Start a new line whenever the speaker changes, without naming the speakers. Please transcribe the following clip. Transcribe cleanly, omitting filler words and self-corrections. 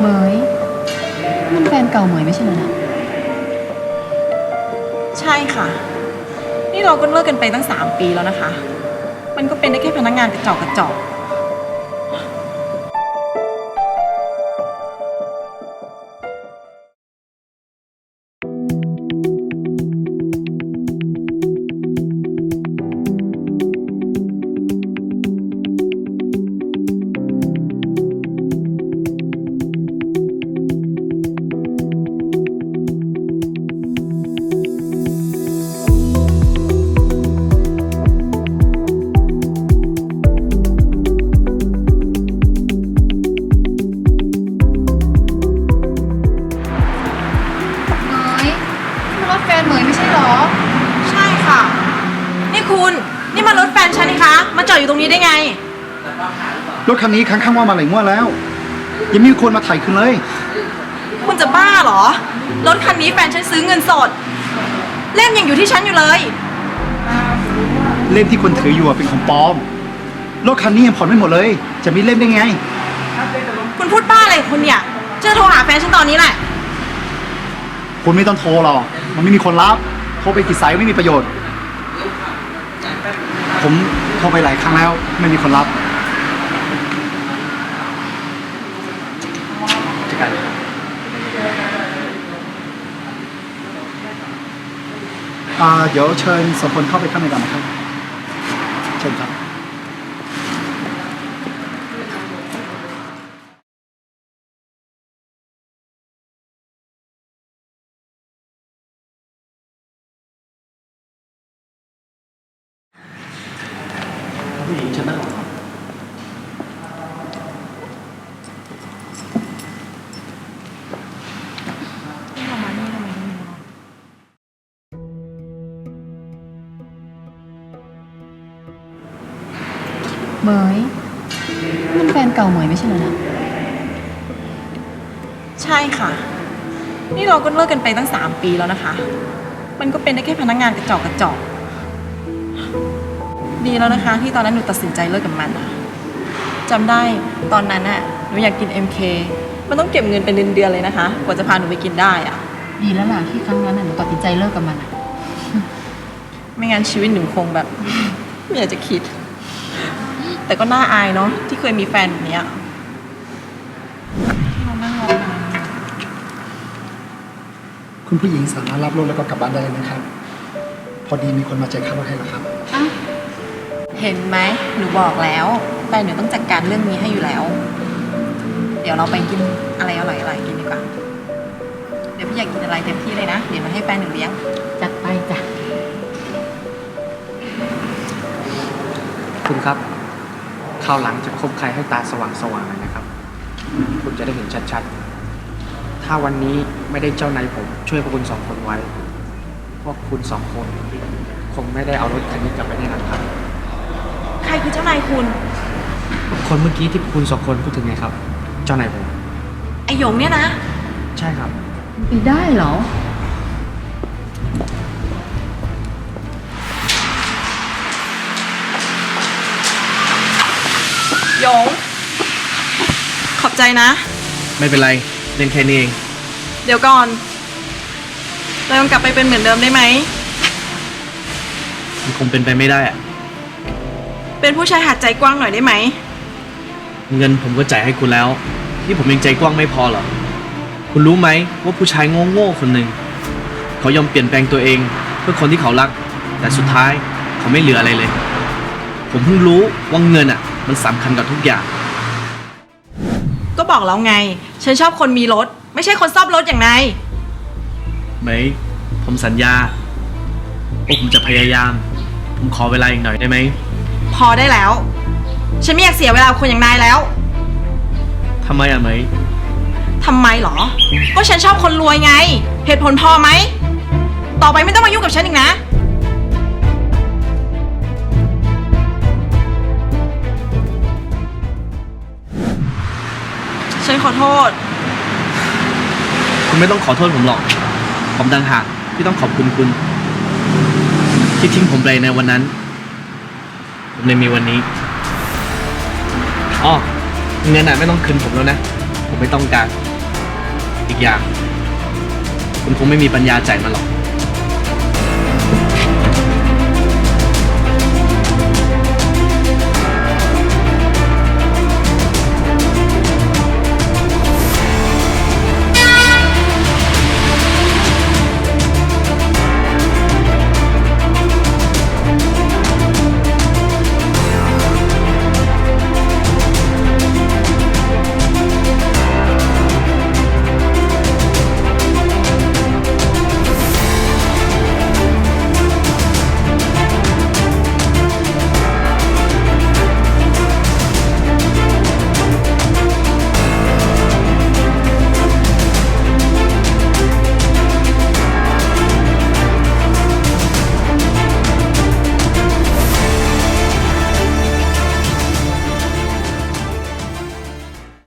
เหมยมันแฟนเก่าเหมยไม่ใช่เหรอนะ
ใช่ค่ะนี่เราก็เลิกกันไปตั้ง3 ปีแล้วนะคะมันก็เป็นได้แค่พนักงานกระจอก
เหมยมันรถแฟนเหมยไม่ใช่เหรอ
ใช่ค่ะนี่คุณนี่มันรถแฟนฉันนี่คะมาจอดอยู่ตรงนี้ได้ไง
รถคันนี้ค้างว่ามาหลายงวดแล้วยังไมมีคนมาถ่ายคืนเลย
คุณจะบ้าเหรอรถคันนี้แฟนฉันซื้อเงินสดเล่มยังอยู่ที่ฉันอยู่เลย
เล่มที่คนถืออยู่เป็นของปลอมรถคันนี้ยังผ่อนไม่หมดเลยจะมีเล่มได้ไง
คุณพูดบ้าอะไรของคุณเนี่ยจะโทรหาแฟนฉันตอนนี้แหละ
คุณไม่ต้องโทรหรอกมันไม่มีคนรับโทรไปกี่สายไม่มีประโยชน์ผมโทรไปหลายครั้งแล้วไม่มีคนรับจะกันเดี๋ยวเชิญสองคนเข้าไปข้างในก่อนนะครับเชิญครับผู้หญิงฉันนั่ง
เหมยมันแฟนเก่าเหมยไม่ใช่เหรอนะ
ใช่ค่ะนี่เราก็เลิกกันไปตั้ง3 ปีแล้วนะคะมันก็เป็นได้แค่พนักงานกระจอกดีแล้วนะคะที่ตอนนั้นหนูตัดสินใจเลิกกับมันอะจำได้ตอนนั้นน่ะหนูอยากกิน MK มันต้องเก็บเงินเป็นเดือนๆเลยนะคะกว่าจะพาหนูไปกินได้อะ
ดีแล้วล่ะที่ครั้งนั้นหนูตัดสินใจเลิกกับมัน
ไม่งั้นชีวิตหนูคงแบบไม่อยากจะคิดแต่ก็น่าอายเนาะที่เคยมีแฟนแบบนี้เรานั่งรอนาน
คุณผู้หญิงสามารถรับรถแล้วก็กลับบ้านได้เลยนะครับพอดีมีคนมาจ่ายค่ารถให้แล้วครับ
เห็นไหมหนูบอกแล้วแฟนหนูต้องจัดการเรื่องนี้ให้อยู่แล้วเดี๋ยวเราไปกินอะไรอร่อยๆกินดีกว่าเดี๋ยวพี่อยากกินอะไรเต็มที่เลยนะเดี๋ยวมาให้แฟนหนูเลี้ยง
จัดไปจ้ะ
คุณครับคราวหลังจะคบใครให้ตาสว่างๆนะครับคุณจะได้เห็นชัดๆถ้าวันนี้ไม่ได้เจ้านายผมช่วยพวกคุณ2 คนไว้พวกคุณ2 คนคงไม่ได้เอารถคันนี้กลับไปแน่นอนครับ
ใครคือเจ้านายคุณ
คนเมื่อกี้ที่คุณ2 คนพูดถึงไงครับเจ้านายผม
ไอหยงเนี่ยนะ
ใช่ครับ
ได้เหรอ
หยงขอบใจนะ
ไม่เป็นไรเล่นแค่นี้เอง
เดี๋ยวก่อนเรายังกลับไปเป็นเหมือนเดิมได้ไหม
มันคงเป็นไปไม่ได้อะ
เป็นผู้ชายหัดใจกว้างหน่อยได้ไหม
เงินผมก็จ่ายให้คุณแล้วที่ผมยังใจกว้างไม่พอเหรอคุณรู้ไหมว่าผู้ชายโง่ๆคนหนึ่งเขายอมเปลี่ยนแปลงตัวเองเพื่อคนที่เขารักแต่สุดท้ายเขาไม่เหลืออะไรเลยผมเพิ่งรู้ว่าเงินอ่ะมันสำคัญกับทุกอย่าง
ก็บอกแล้วไงฉันชอบคนมีรถไม่ใช่คนซ่อมรถอย่างนาย
ไหมผมสัญญาว่าผมจะพยายามผมขอเวลาอีกหน่อยได้ไหม
พอได้แล้วฉันไม่อยากเสียเวลาคนอย่างนายแล้ว
ทำไมอ่ะไหม
ทำไมหรอก็ฉันชอบคนรวยไงเหตุผลพอไหมต่อไปไม่ต้องมายุ่งกับฉันอีกนะฉันขอโทษ
คุณไม่ต้องขอโทษผมหรอกผมต่างหากที่ต้องขอบคุณคุณที่ทิ้งผมไปในวันนั้นผมเลยมีวันนี้อ๋อเงินน่ะไม่ต้องคืนผมแล้วนะผมไม่ต้องการอีกอย่าง คุณคงไม่มีปัญญาจ่ายมันหรอก